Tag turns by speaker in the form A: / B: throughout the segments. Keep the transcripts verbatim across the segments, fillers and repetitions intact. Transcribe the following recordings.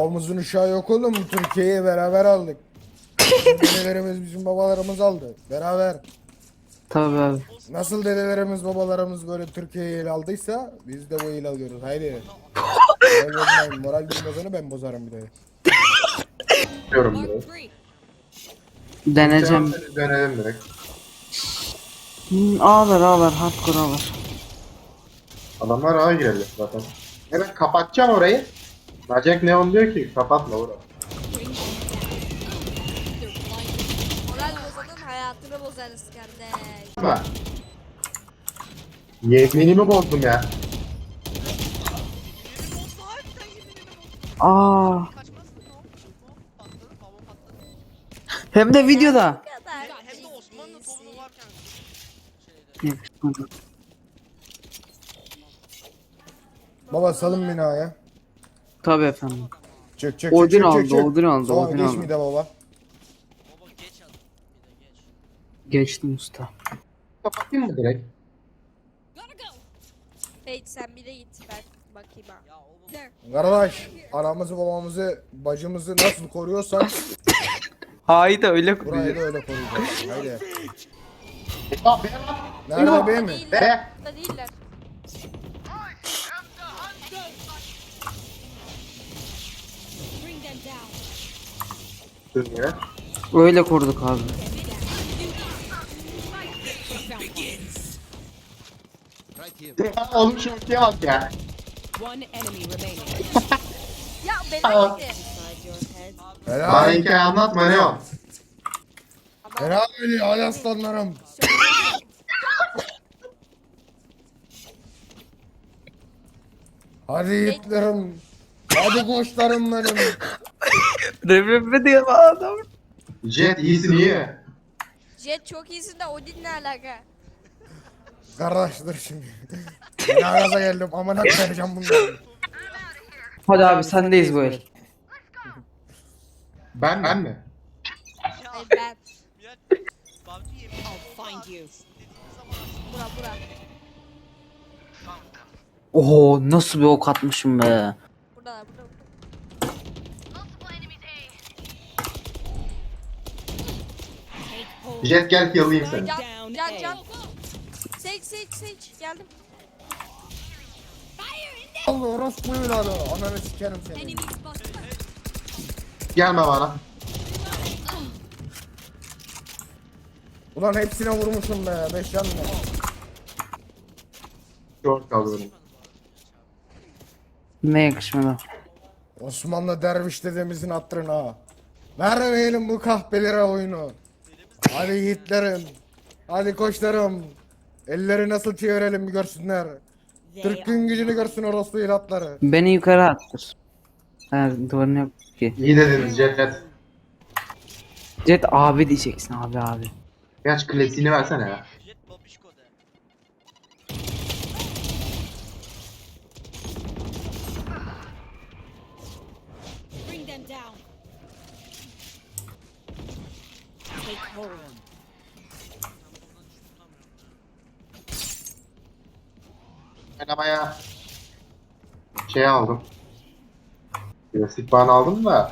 A: Babamızın uşağı yok oğlum. Türkiye'yi beraber aldık. Bizim dedelerimiz bizim babalarımız aldı. Beraber.
B: Tabii abi.
A: Nasıl dedelerimiz babalarımız böyle Türkiye'yi ele aldıysa biz de bu ele alıyoruz. Haydi. Moral bozmayın. Moral bozanı ben bozarım bir de.
C: Diyorum biraz.
B: Deneyeceğim.
C: Dönelim direkt.
B: Hmm, ağlar ağlar. Hardcore ağlar.
C: Adamlar ağa girelim zaten. Evet kapatacağım orayı. Najek Neon diyor ki kapatma orayı.
D: Moral bozanın hayatını bozarız kardeş.
C: Ama yeminimi bozdum ya.
B: Aa. Hem de videoda.
D: Bu kadar
E: Hem de Osmanlı
D: ciddisin.
E: tohumu varken şeyde.
B: Yakışmadı.
A: Baba salın beni ya.
B: Tabii efendim.
A: Çık çık
B: Odin
A: çık çık
B: aldı,
A: çık. çık.
B: Odin aldı,
A: Tamam
B: Odin
A: geç
B: aldı.
A: mi de baba.
E: Baba geç at. Bir de geç.
B: Geçtim usta.
C: Kapatayım mı direkt?
D: Hey sen bir de git ben bakayım ha.
E: Ya o bu.
D: There.
A: Kardeş anamızı babamızı bacımızı nasıl koruyorsan
B: Haydi öyle
A: burayı da
B: kuruyor.
A: öyle koruyacağız. Haydi.
C: Aa be lan.
A: Nerede bey mi?
D: Değiller.
C: Be.
D: Burada değiller.
C: Dönüyor.
B: Öyle koruduk abi.
C: Oğlum şu ülkeye bak ya.
F: One enemy remaining.
D: Ya
C: Aa.
D: beni gitti.
C: Bana
A: Helal.
C: hikaye anlatma ne o?
A: Helal beni hadi aslanlarım. Hadi yiğitlerim. Hadi koçlarım benim.
B: Rebebe diye adam.
C: Jet iyisin iyi.
D: Jet çok iyisin de Odin ne alaka?
A: Kardeşler şimdi. Ben gaza geldim amına koyacağım bunları.
B: Hadi abi sendeyiz bu el.
C: Ben ben mi?
D: Hayır ben.
E: Miraç PUBG yemin
F: I'll find you.
E: dediğimiz zaman
D: Bura bura.
B: Oho nasıl bir ok atmışım be.
D: Burada burada. burada.
C: Jet gel yalayayım seni.
D: Can
F: Down
D: can
F: A.
D: can. Seç seç seç geldim.
A: Allah orospu evladı. Ananı sikerim seni.
C: Gelme bana.
A: Ulan hepsine vurmuşum be. Beş can mı?
C: Short kaldı benim.
B: Ne yakışmadı.
A: Osmanlı derviş dedemizin hatırına. Vermeyelim bu kahpelere oyunu. Hadi yiğitlerim. Hadi koçlarım. Elleri nasıl çevirelim bir görsünler. Türk gün gücünü görsün orospu evlatları.
B: Beni yukarı attır. Ha, duvarın yok ki.
C: İyi dediniz Jet.
B: Jet abi diyeceksin abi abi.
C: Gerçi klasiğini versene ya.
E: Jet babişko de.
F: Bring them down. Take hold.
C: Oynamaya şey aldım. Klasik ban aldım da.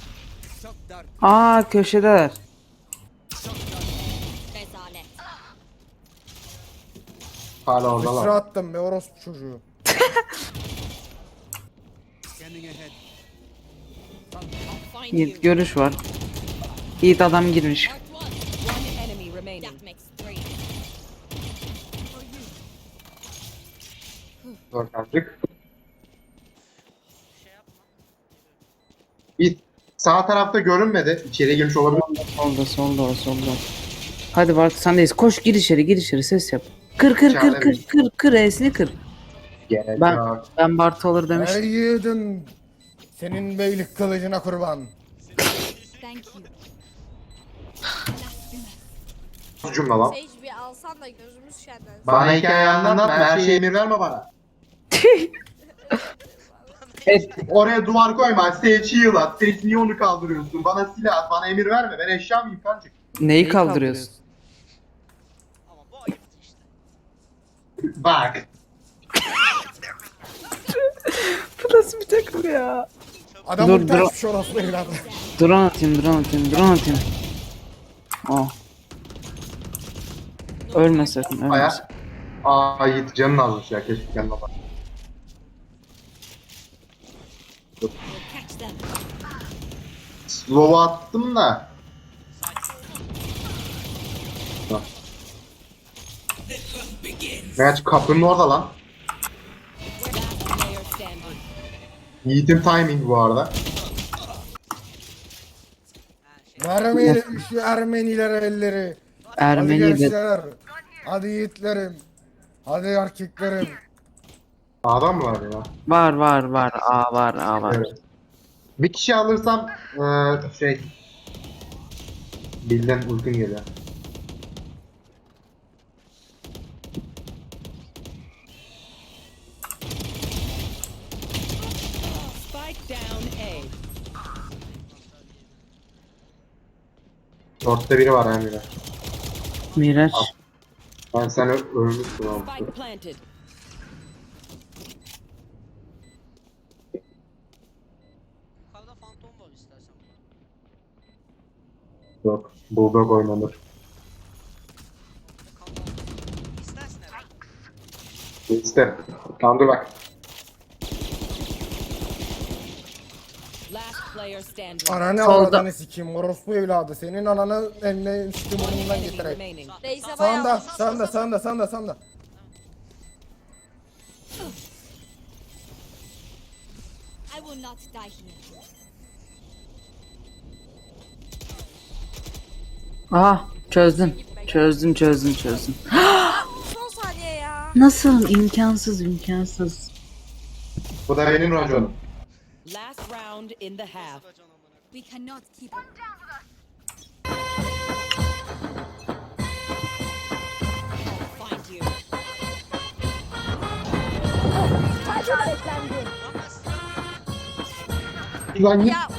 B: Aa köşedeler.
F: Rezalet.
C: Hala
A: Sıra
C: oradalar.
A: attım be orospu çocuğu.
F: I'll find you.
B: Yiğit görüş var. Yiğit adam girmiş.
F: One enemy remaining. That makes three.
C: Dört artık. Bir sağ tarafta görünmedi. İçeriye girmiş olabilir.
B: Solda solda o solda. Hadi Bart sendeyiz. Koş gir içeri gir içeri ses yap. Kır kır kır kır kır kır esni kır.
C: Gerek
B: Ben
C: yok.
B: ben Bart olur demiştim.
A: Ey yiğidin. Senin beylik kılıcına kurban.
F: Thank you.
C: Bu cümle lan.
D: Sage bir alsan da gözümüz şenlensin.
C: Bana hikaye anlatma. Her şeye emir verme bana.
B: Evet.
C: Oraya duvar koyma. Stage heal at. Stage niye onu kaldırıyorsun? Bana silah at. Bana emir verme. Ben eşya mıyım kancık?
B: Neyi kaldırıyorsun?
E: Ama bu ayıptı işte.
C: Bak.
B: Bu nasıl bir takım ya?
E: Çabuk
A: Adam
B: Dur,
A: ulti
B: dur.
A: açmış orospu evladı.
B: Drone atayım, drone atayım, drone atayım. Oh. Ölme sakın, ölme
C: Aya.
B: sakın.
C: Aa Yiğit canın azmış ya keşke yanına bak.
F: We'll catch them.
C: Slow'u attım da. Ha. Meğer kapının orada lan.
F: Last player standing.
C: Yiğit'in timing bu arada.
E: Ha şey.
A: Vermeyelim şu Ermenilere elleri. Hadi
B: Ermeni de
A: gençler. Hadi yiğitlerim. Hadi erkeklerim.
C: Adam mı var ya?
B: var var var, A var, A var.
C: Evet. Bir kişi alırsam eee şey Bilden ultim geliyor.
F: Spike down A.
C: Dörtte biri var Emre.
B: Miraç.
C: Ben sen ö- ölmüşsün abi.
F: Spike planted.
E: Yukarıda fantom var istersen.
C: Yok. Bulldog oynanır.
E: Burada kan var. İstersin herhalde.
C: İşte. Tamam dur bak.
F: Last player standing.
A: Ananı
B: Solda.
A: avradını sikeyim orospu evladı. Senin ananı eline sikim
F: One
A: burnundan
F: enemy
A: getireyim.
F: remaining.
D: Reis'e
A: Sağında,
D: bayağı.
A: sağında, sağında, sağında, sağında.
F: I will not die here.
B: Ah, çözdüm. Çözdüm, çözdüm, çözdüm.
D: Son saniye ya.
B: Nasıl? İmkansız, imkansız.
C: Bu da benim raconum.
F: Last round in the half.
E: Racon amına.
F: We cannot keep I'll find you.
C: Lan git.
D: Ya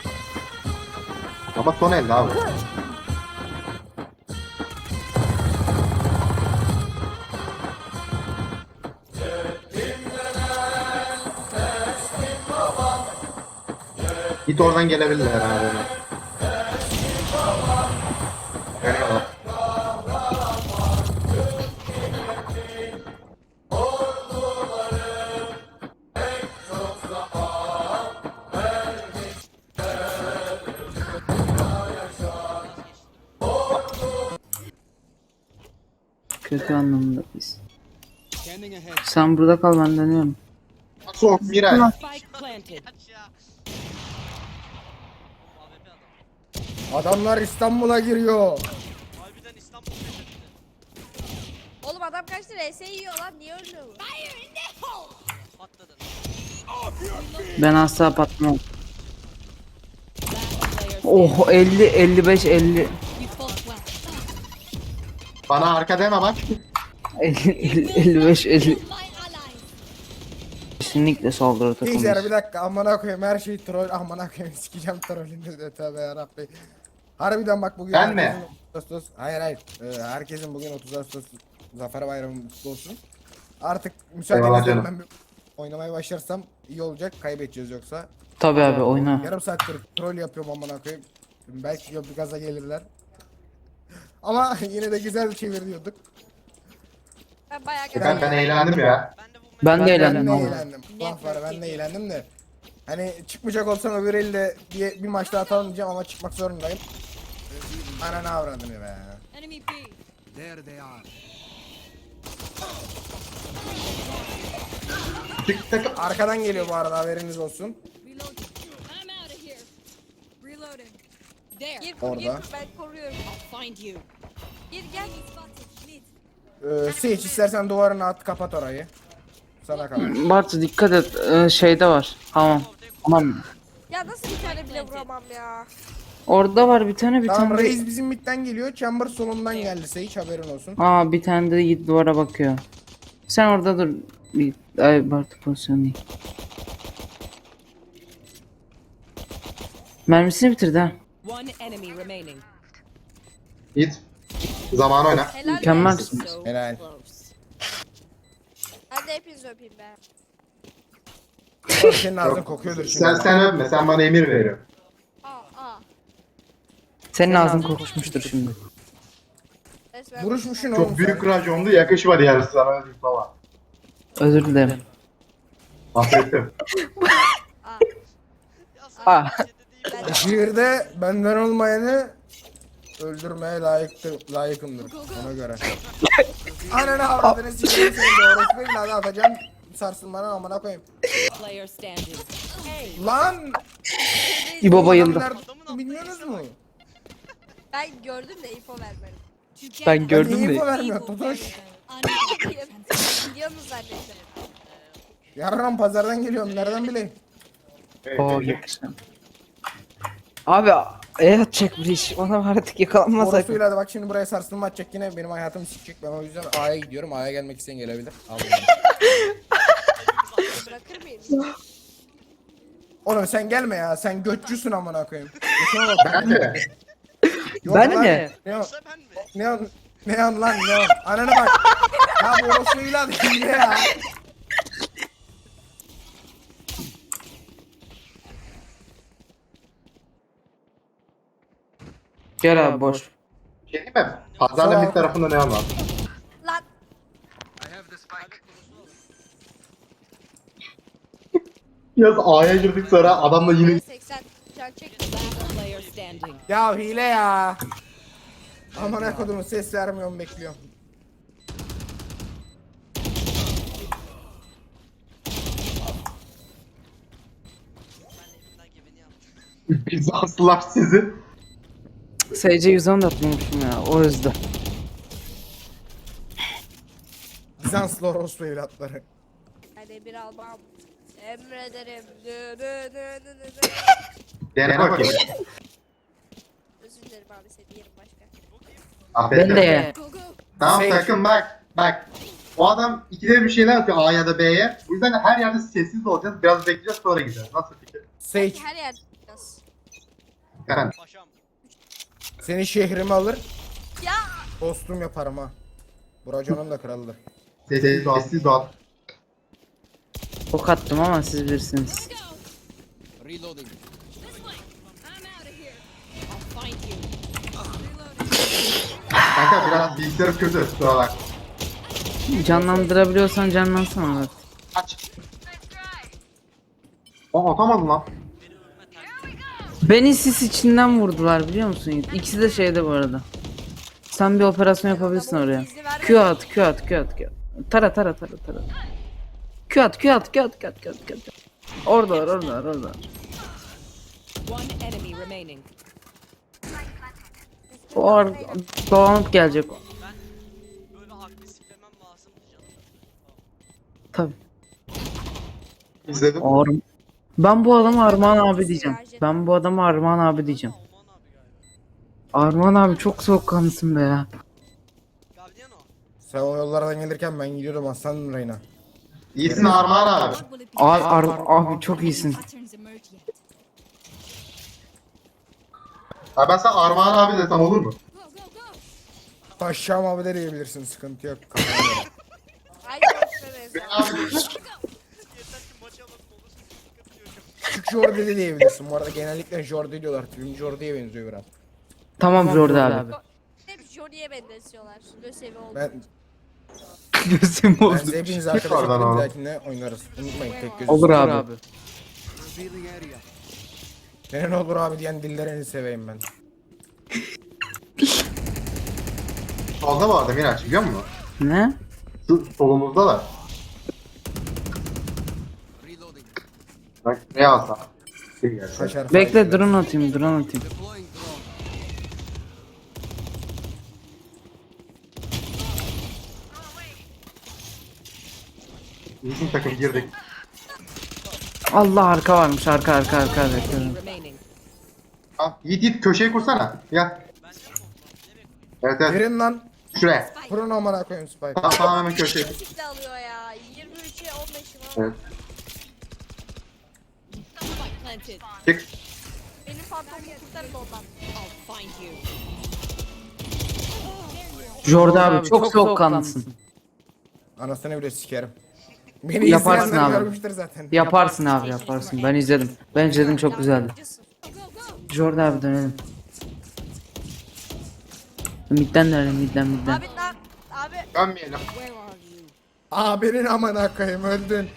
C: Ama son elde abi. Git oradan gelebilirler abi. Geliyorlar.
B: Kötü anlamında biz. Sen burada kal, ben dönüyorum.
C: Sok Miray.
F: Spike planted.
E: Kaç ya. Oğlum A W P adam.
A: Adamlar İstanbul'a giriyor.
E: Harbiden İstanbul fethedildi.
D: oğlum adam kaçtı R S yiyor lan niye ölmüyor bu?
E: Patladın.
B: Ben asla patlamam.
F: Last player standing.
B: Oh, elli, elli beş, elli.
F: You fought well.
C: Bana arka deme bak.
B: elli, elli, elli beş, elli.
F: My allies.
B: Kesinlikle saldırı
A: Gençler bir
B: takımıyız.
A: dakika amına koyayım her şey troll amına koyayım sikeceğim trollünü de tövbe yarabbi. Harbiden bak bugün
C: Ben mi?
A: herkesin otuz Ağustos hayır hayır Ee, herkesin bugün otuz Ağustos Zafer Bayramı kutlu olsun. Artık
C: Eyvallah
A: müsaadenizle
C: canım.
A: ben bir oynamaya başlarsam iyi olacak kaybedeceğiz yoksa.
B: Tabii abi, oyna.
A: Yarım saattir troll yapıyorum amına koyayım. Belki bir gaza gelirler. Ama yine de güzel çeviriyorduk.
D: Ben bayağı
C: Ben, ben eğlendim ya.
E: Ben de bu
B: Ben de
A: Ben
B: eğlendim
A: de
B: ama.
A: eğlendim. Vah var ben de eğlendim de. Hani çıkmayacak olsam öbür elde diye bir maçta atalım diyeceğim ama çıkmak zorundayım. Ananı avradını be.
F: Enemy B.
C: Çık tık.
A: Arkadan geliyor bu arada haberiniz olsun.
F: Reloading. I'm out of here. Reloading. There.
D: Gir kur gir
A: Orada.
D: kur, ben koruyorum.
F: I'll find you.
D: Gir gel.
A: Ee, Sage istersen duvarını at kapat orayı. Sana kalır.
B: Bartu dikkat et, ee, şeyde var. Tamam. Tamam.
D: Ya nasıl bir tane bile vuramam ya.
B: Orada var bir tane, bir
A: Tamam
B: tane.
A: Reis bizim midden geliyor. Chamber solundan geldi Sage haberin olsun.
B: Aa, bir tane de git duvara bakıyor. Sen orada dur. Bir, ay Bartu pozisyonu değil. Mermisini bitirdi ha.
F: One enemy remaining.
C: Git. Zaman oyna.
D: Helal be.
B: Mükemmelsin.
F: So
A: Helal.
F: close.
D: Ben de hepinizi öpeyim be.
A: Ulan senin ağzın kokuyordur şimdi.
C: Sen sen öpme, sen bana emir veriyorsun.
D: Aa aa.
B: Senin ağzın kokuşmuştur şimdi.
D: Resmen
A: Vuruşmuşsun oğlum
C: Çok büyük
A: sen.
C: racondu, yakışmadı yani sana öyle baba.
B: Özür dilerim.
C: Affettim.
D: Aa.
E: Ya sen
B: Ah.
E: bir şey de değil.
D: Ben
A: Şiirde benden olmayanı öldürmeye layıktır, layıkımdır ona göre. Ananı avradını sikeyim seni doğrusu değil hadi atacağım sarsılmanı amına koyayım.
F: Player standing.
A: Lan!
B: İbo bayıldı.
A: Adamlar bilmiyorsunuz mu?
D: Ben gördüm de info vermedim.
B: Ben gördüm
A: Niye
B: de.
A: info vermiyor Totoş?
D: Biliyor musun zannettim?
A: Yarın pazardan geliyorum nereden bileyim?
B: Oo yakışım. Abi e atacak bir iş. Ona artık yakalanmaz.
A: Orosuyla da bak şimdi buraya sarsılma atacak yine benim hayatımı sikecek ben o yüzden A'ya gidiyorum A'ya gelmek isteyen gelebilir. Al bunu.
D: Bırakır mıyım?
A: Oğlum sen gelme ya sen götçüsün amına koyayım. Götüne bak.
C: Ben de.
A: Yok
B: Ben
A: lan,
B: mi?
A: Ne o?
E: Yoksa ben mi?
A: Ne o? Ne o lan ne o? Ananı bak. Ya bu orosuyla değil ya.
B: Gel abi boş.
C: Şey değil mi? Pazarla bir tarafında ne var?
D: Lan.
C: Yaz A'ya girdik sonra adamla yine
D: seksen can çek.
F: Last player standing.
A: Ya hile ya. Amına kodumu ses vermiyorum bekliyorum.
E: Ben elimden geleni yaptım.
C: Bizanslılar sizi.
B: S C yüz on da atmamışım ya o yüzden.
A: Bizanslı orospu evlatları.
D: Hadi bir almam. Emrederim. Dö dö dö dö dö dö.
C: Dene bakayım.
D: Özür dilerim abi seni yerim başka.
C: Affettim.
B: Ben de.
F: Go go.
C: Tamam
A: Şey-
C: takım bak. Bak. O adam ikide bir şeyler yapıyor A ya da B'ye. Bu yüzden her yerde sessiz olacağız. Biraz bekleyeceğiz sonra gideceğiz. Nasıl fikir?
A: Sage
D: Her yer yapacağız.
C: Yani.
E: Paşam.
A: seni şehrime alır.
D: Ya.
A: Dostum yaparım ha. Buracanın da kralıdır.
C: Sessiz ol. Sessiz ol.
B: Ok attım ama siz bilirsiniz.
F: Go.
E: Reloading.
F: This way. I'm out of here. I'll find you.
C: Kanka biraz bilgisayarım kötü. Kusura bak.
B: Canlandırabiliyorsan canlansana bak.
C: Aç. Aa atamadım lan.
B: Beni sis içinden vurdular biliyor musun Yiğit? İkisi de şeyde bu arada. Sen bir operasyon yapabilirsin oraya. Q at, Q at, Q at, Q at. Tara tara tara tara. Q at, Q at, Q at, Q at, Q at, Q at. Orada var, orada var, orada var.
F: One enemy remaining.
B: O ar dolanıp gelecek o.
E: Böyle agresiflemem lazımdı canım.
B: Tabii.
C: İzledim.
B: Ar ben bu adama Armağan abi diyeceğim. Ben bu adama Armağan abi diyeceğim.
E: Aman abi galiba.
B: Armağan abi çok soğukkanlısın be ya.
E: Guardiano.
A: Sen o yollardan gelirken ben gidiyordum Aslan Reyna.
C: İyisin Armağan abi.
B: Abi, ar abi çok iyisin.
F: Patterns emerge yet.
C: Ha ben sana Armağan abi desem olur mu?
F: Go go go.
A: Paşam abi de diyebilirsin sıkıntı yok. Kafana göre.
D: Ay görüşme be.
C: Abi.
E: Yeter ki maçı alalım olursa sıkıntı yok.
A: Küçük Jordi de diyebilirsin. Bu arada genellikle Jordi diyorlar. Film Jordi'ye benziyor biraz.
B: Tamam Jordi abi.
D: Hep Johnny'ye benzetiyorlar. Lösevi oldu.
A: Ben,
B: Gözüm
A: ben
B: oldu.
A: size hepiniz
C: Oradan
A: arkadaşlar
C: oğlum.
A: bir dahakinde oynarız. Unutmayın tek gözüm.
B: Olur abi.
A: Senin olur abi diyen dillerini seveyim ben.
C: Solda bu arada Miraç biliyor musun?
B: Ne?
C: Şu solumuzda da.
E: Reloading.
C: Bak ne alsam. Kim gelse.
A: Kaçar
B: Bekle
A: faiz
B: drone atayım, drone atayım.
E: Deploying drone.
C: İyisin takım girdik.
B: Allah arka varmış, arka arka arka arka.
F: Remaining.
C: Ha, Yiğit Yiğit köşeyi kursana. Gel. Evet evet.
A: Verin lan.
C: Şuraya.
A: Kurun amına koyayım Spike.
C: Tamam tamam hemen köşeye.
D: Kesinlikle alıyor ya. yirmi üçe on beşim
C: Evet.
F: Spike planted.
C: Çık.
D: Benim fantomu kurtarın ondan.
F: I'll find you.
B: Jordi abi çok soğukkanlısın.
A: Anasını bile sikerim. Beni
B: Yaparsın
A: izleyenler
B: abi.
A: görmüştür zaten.
B: Yaparsın abi yaparsın. Ben izledim. Ben izledim çok güzeldi.
F: Go, go, go.
B: Jordan abi dönelim. Midden dönelim midden midden.
D: Abi lan abi
C: Dönmeyelim.
F: Where are you?
A: Abinin amına koyayım öldün.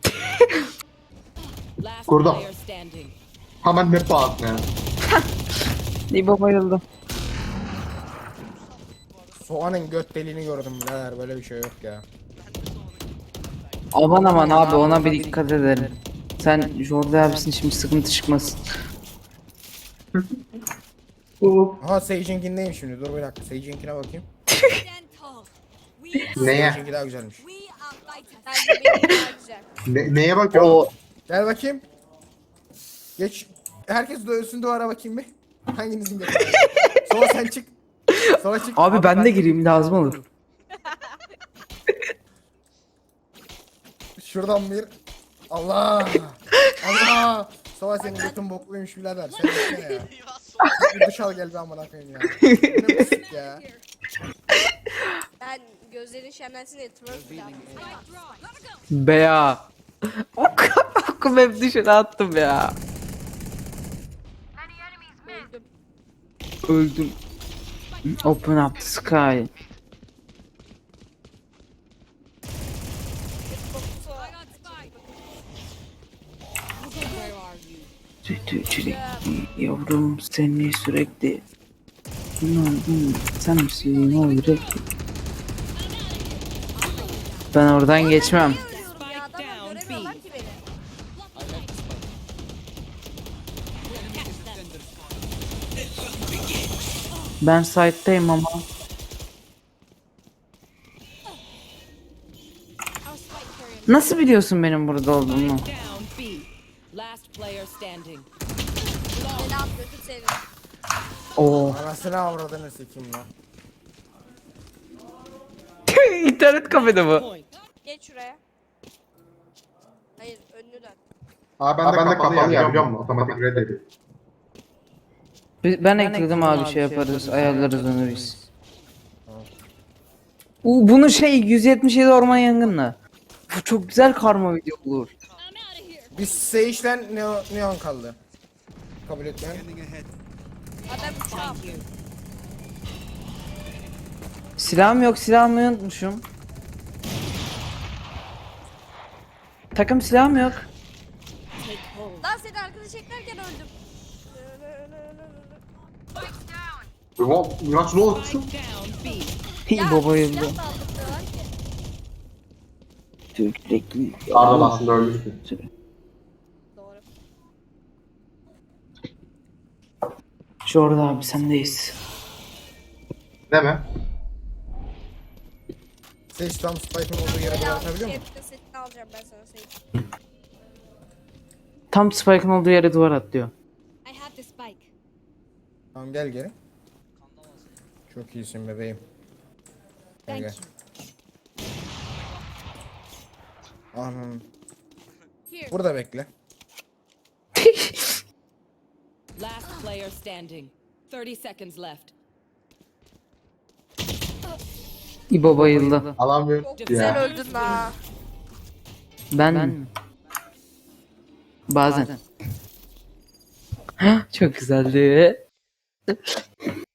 G: Last
C: Kurdum.
G: player standing.
C: Hemen ne pahasına ya.
B: İbo bayıldı.
A: Soğanın göt deliğini gördüm birader, böyle bir şey yok ya.
B: Aman aman abi ona bir dikkat edelim. Sen Jordan abisin şimdi sıkıntı çıkmasın.
A: Aha Sage'inkindeyim şimdi, dur bir dakika Sage'inkine bakayım.
F: Stand tall. We are,
C: Neye?
A: Sage'inki daha güzelmiş.
F: we are fighters.
D: bence benim daha güzel.
C: Ne, neye bakıyor?
A: Gel bakayım. Geç. Herkes dövsün duvara bakayım bir. Hanginizin götü? Sola sen çık. Sola çık.
B: Abi ben de gireyim lazım olur.
A: Şuradan bir. Allah. Allah. Sola senin götün bokluymuş birader. Sen gitsene ya. Bir duş al gel bir amına koyayım ya. Bu ne pislik ya.
F: Here.
D: Ben gözlerin şenlensin diye twerk yaptım.
F: Spike drop. Gotta go.
B: Be ya. Ok, okum hep dışarı attım ya.
D: Öldüm.
B: Öldüm. Open up the sky.
F: I got spike. Where are you?
B: Sütü çilekli yavrum seni sürekli. Hmm, sen misin o yürekli? Ben oradan geçmem.
D: Ölüyorum ya, adamlar göremiyorlar ki beni.
B: Ben site'dayım ama.
F: Our spike carrier.
B: Nasıl biliyorsun benim burada olduğumu?
G: Down B. Last player standing.
D: Beni at götür seni.
B: Oo.
A: Anasını avradını sikeyim lan.
B: İnternet kafede bu.
G: Point.
D: Geç şuraya. Hayır önünü dön.
C: Aa ben de, ben de kapalı ya biliyor musun? Otomatik red ediyor.
B: Ben ekledim abi şey yaparız ayarlarız onu biz. U bunu şey yüz yetmiş yedi orman yangınla. Bu çok güzel karma video olur.
F: I'm out of here.
A: Biz Sage'den Neon, Neon kaldı. Kabul etmeyen.
D: Adam uçağı.
B: Silahım yok silahımı unutmuşum. Takım silahım yok.
D: Lan seni arkada çeklerken öldüm.
C: Ulan Miraç ne oldu?
G: Down B.
D: Ya
B: Baba yıldı.
D: silah da aldırtıyorlar ki.
B: Sürekli.
C: Arda aslında ölmüştü.
D: Doğru.
B: Jordan abi sendeyiz.
C: Değil mi?
A: Sage tam Spike'ın olduğu yere
D: Beni
A: doğru
D: al.
A: atabiliyor mu?
D: Hepsini setini alacağım ben sana Sage.
B: Tam Spike'ın olduğu yere duvar atlıyor.
F: I have the spike.
A: Tamam gel geri. Çok iyisin bebeğim. Gel
F: Thank
A: gel.
F: you.
A: Anam.
F: Here.
A: Burada bekle.
G: Last player standing. thirty seconds left.
B: İbo bayıldı.
C: Alamıyorum.
D: Çok güzel öldün la.
B: Ben, bazen. Çok güzeldi.